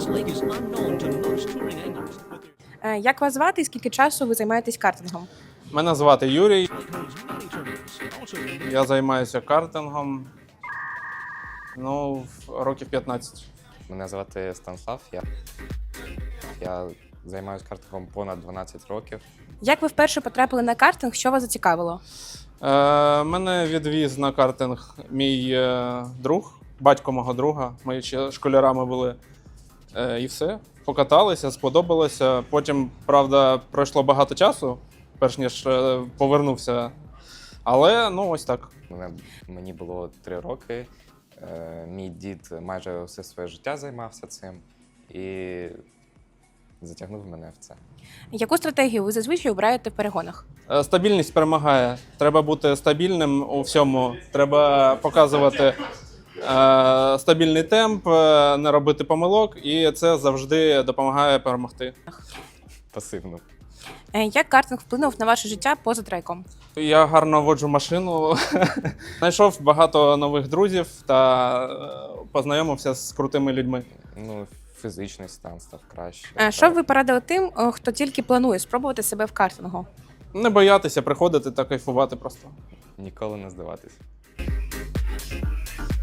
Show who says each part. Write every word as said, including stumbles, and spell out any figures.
Speaker 1: This lake is unknown to most touring anglers, but
Speaker 2: Е, Як вас звати і скільки часу ви займаєтесь картингом?
Speaker 3: Мене звати Юрій,
Speaker 1: there holds many tournaments, and also in
Speaker 3: я займаюся картингом ну, в- років п'ятнадцять.
Speaker 4: Мене звати Станслав. Я, я займаюся картингом понад дванадцять років.
Speaker 2: Як ви вперше потрапили на картинг? Що вас зацікавило?
Speaker 3: Е, мене відвіз на картинг мій е, друг, батько мого друга. Ми ще школярами були. Е, і все. Покаталися, сподобалося. Потім, правда, пройшло багато часу, перш ніж е, повернувся. Але ну ось так.
Speaker 4: Мене, мені було три роки. Е, мій дід майже все своє життя займався цим і затягнув мене в це.
Speaker 2: Яку стратегію ви зазвичай обираєте в перегонах?
Speaker 3: Е, Стабільність перемагає. Треба бути стабільним у всьому. Треба показувати е, стабільний темп, е, не робити помилок, і це завжди допомагає перемогти.
Speaker 4: Пасивно.
Speaker 2: Е, Як картинг вплинув на ваше життя поза треком?
Speaker 3: Я гарно воджу машину, знайшов багато нових друзів та е, познайомився з крутими людьми.
Speaker 4: Ну, фізичний стан став краще.
Speaker 2: Е, Що б ви порадили тим, о, хто тільки планує спробувати себе в картингу?
Speaker 3: Не боятися приходити та кайфувати просто.
Speaker 4: Ніколи не здаватись.